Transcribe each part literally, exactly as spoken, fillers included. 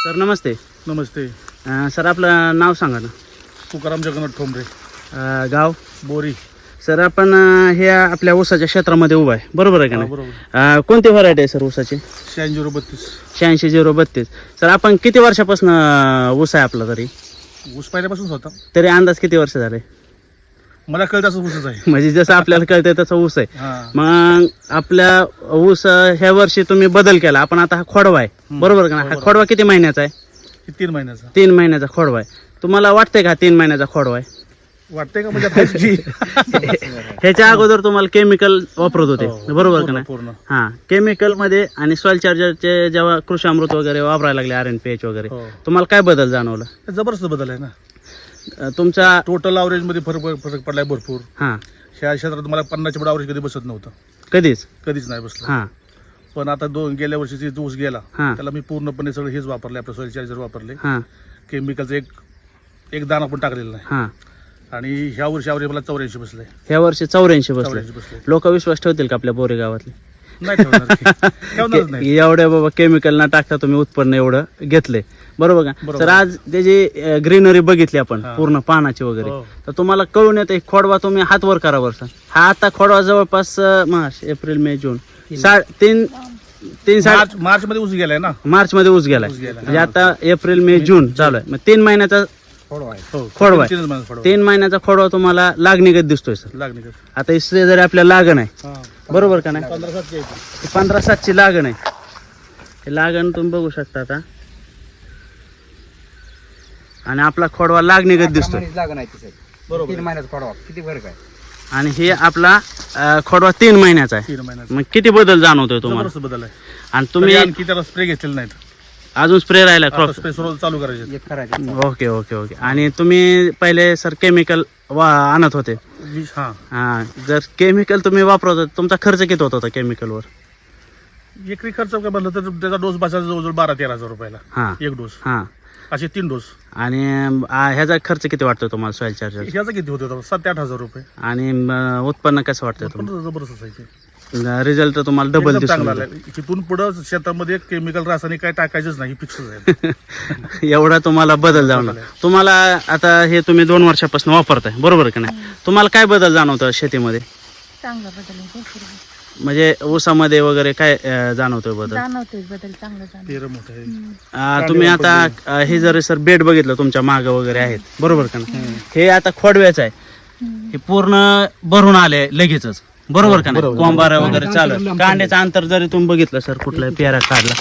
Sir नमस्ते. नमस्ते. अ, sir आपलं नाव सांगा ना. तुकाराम जगन्नाथ ठोंबरे, अ, गाव बोरी. सर आपण अ, हे आपल्या ऊसाच्या क्षेत्रामध्ये उभा आहे बरोबर आहे का हा, नाही? बरोबर. अ, कोणती व्हरायटी आहे सर ऊसाची? शहाऐंशी झिरो बत्तीस. शहाऐंशी झिरो बत्तीस. सर आपण किती वर्षापासून अ, ऊस आहे आपला तरी ऊस पहिल्यापासूनच होता. तरी अंदाज किती वर्ष झाले? मला कळत असं ऊसच आहे. म्हणजे जसं आपल्याला कळतंय तसं ऊस आहे. हा. मग आपल्या ऊस अ, ह्या वर्षी तुम्ही बदल केला. आपण आता हा खोडवा आहे बरोबर का नाही? हा खोडवा किती महिन्याचा आहे? हे तीन महिन्याचा तीन महिन्याचा खोडवा आहे. तुम्हाला वाटतंय का तीन महिन्याचा खोडवा आहे? वाटतंय का? म्हणजे आता जी ह्याच्या अगोदर तुम्हाला केमिकल वापरत होते हो, बरोबर का पूर्ण- नाही? पूर्ण. हा केमिकल मध्ये आणि सॉइल चार्जरचे जेव्हा कृषी अमृत वगैरे वापरायला लागले आर एन पी एच वगैरे हो. तुम्हाला काय बदल जाणवला? हे जबरदस्त बदल आहे ना. अ, तुमचा टोटल अवरेज मध्ये फरक फरक पडलाय भरपूर. हा ह्या क्षेत्रात मला पन्नासच्या पुढे अवरेज कधी बसत नव्हतं, कधीच कधीच नाही बसलं. हा पण आता दोन गेल्या वर्षीची जो ऊस गेला हा. त्याला मी पूर्णपणे सगळं हेच वापरले, आपलं सॉइल चार्जर वापरले. हा केमिकलचं एक एक दाना पण टाकलेलं नाही. हा आणि ह्या वर्षी अवरेज मला चौऱ्याऐंशी बसले. ह्या वर्षी चौऱ्याऐंशी बसले. चौऱ्याऐंशी बसले. लोक विश्वास ठेवतील का आपल्या बोरे गावातले? नाही ठेवणार की. ठेवणारच नाही. एवढ्या बाबा केमिकल ना टाकता तुम्ही उत्पन्न एवढं घेतले बरोबर का? बरोबर. तर आज त्याची ग्रीनरी बघितली आपण हा. पूर्ण पानाची वगैरे हो. तर तुम्हाला कळून येतं खोडवा तुम्ही हात वर करा बरं. हा आता खोडवा जवळपास अं, मार्च एप्रिल मे जून सा तीन तीन साडे मार्च मार्च मध्ये ऊस गेलाय ना. मार्च मध्ये ऊस गेलाय ऊस गेलाय. म्हणजे आता एप्रिल मे जून चालू आहे. मग तीन महिन्याचा हो. खोडवा आहे. तीनच महिन्यात खोडवा. तीन महिन्याचा खोडवा तुम्हाला लागणीगत दिसतोय सर. लागणे का? आता इससे जरी आपल्याला लागण आहे हा. बरोबर का नाही? पंधरा सातशे आहे. हे पंधरा सातची लागण आहे. हे लागण तुम्ही बघू शकता आता आणि आपला खोडवा लागणीगत दिसतोय बरोबर. तीन महिन्याचा खोडवा किती फरक आहे. आणि हे आपला अं, खोडवा तीन महिन्याचा आहे. तीन महिन्यात मग किती बदल जाणवतोय तुम्हाला? जबरदस्त बदल आहे. आणि तुम्ही तुम्ही आणखी त्याला स्प्रे घेतलेले नाहीत. अजून स्प्रे राहिला क्रॉप? स्प्रे रोज चालू करायचे. एक करायचं ओके ओके ओके. आणि तुम्ही पहिले सर केमिकल वा आणत होते. वीस हा हा जर केमिकल तुम्ही वापरत होते तुमचा खर्च किती होत होता केमिकलवर? एकरी खर्च काय बनला तर त्याचा डोस बसायचा जवळजवळ बारा तेरा हजार रुपयाला हा एक डोस. हा असे तीन डोस. आणि अं, ह्याचा खर्च किती वाटतो तुम्हाला सॉइल चार्जर? ह्याचा किती होते सात ते आठ हजार रुपये. आणि अं, उत्पन्न कसं वाटतं पण तुम्हाला? जबरदस्त आहे ते. रिझल्ट तर तुम्हाला डबल एकदम दिसून चांगला येतो. आलाय. तिथून पुढे शेतामध्ये केमिकल रासायनिक काय टाकायचंच नाही, फिक्सच आहे. एवढा तुम्हाला बदल जाणवला. तुम्हाला आता हे तुम्ही दोन वर्षापासून वापरताय बरोबर का नाही? तुम्हाला काय बदल जाणवतो शेतीमध्ये? चांगला बदल आहे भरपूर म्हणजे ऊसामध्ये वगैरे काय अं, जाणवतोय बदल? जाणवतोय बदल चांगला जाणवतो. तेरं मोठं आहे. अं, तुम्ही आता अं, हे जर सर बेड बघितलं तुमच्या माग वगैरे आहेत बरोबर का नाही? हे आता खोडव्याचं आहे. हे पूर्ण भरून आले लगेचच बरोबर का नाही? कोंबारा वगैरे चालू आहे. कांड्याचं अंतर जरी तुम्ही बघितलं सर कुठला पेरा काढला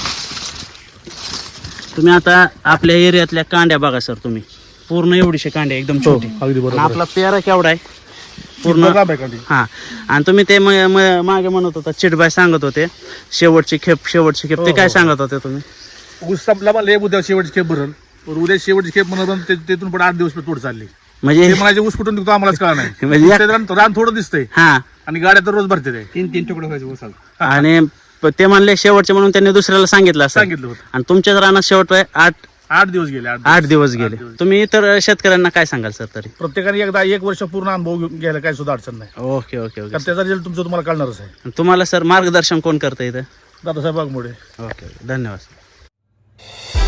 तुम्ही आता आपल्या एरियातल्या कांड्या बघा सर तुम्ही पूर्ण एवढीशे कांड्या एकदम छोटी. अगदी आणि बरोबर. आपला पेरा केवढा आहे पूर्ण लांब आहे कांडी. हा. आणि तुम्ही ते म- म- मागे म्हणत होता चिटबाय सांगत होते शेवटची खेप शेवटची खेप ते हो, काय हो. सांगत होते तुम्ही? ऊस संपला मला उद्या शेवटची खेप भरल. पण उद्या शेवटची खेप म्हणून तिथून पण आठ दिवस तोड चालली. म्हणजे ते म्हणायचे ऊस कुठून निघतो आम्हालाच कळा नाही. म्हणजे या- ते रान रान थोडं दिसतंय हा आणि गाड्या तर रोज भरते ते. तीन तीन तुकडे व्हायचे उसाला. आणि प- ते म्हणले शेवटचे म्हणून त्यांनी दुसऱ्याला सांगितलं असं. सांगितलं होतं. आणि तुमच्याच रानात शेवट आहे आठ आठ दिवस गेले. आठ आठ दिवस गेले. दिवस. तुम्ही इतर शेतकऱ्यांना काय सांगाल सर तरी? प्रत्येकाने एकदा एक वर्ष पूर्ण अनुभव घेऊन घ्यायला काही सुद्धा अडचण नाही. Okay okay okay. कारण त्याचा रिझल्ट तुमचं तुम्हाला कळणारच आहे. तुम्हाला सर मार्गदर्शन कोण करतं इथं? दादासाहेब वाघमोडे. ओके ओके धन्यवाद.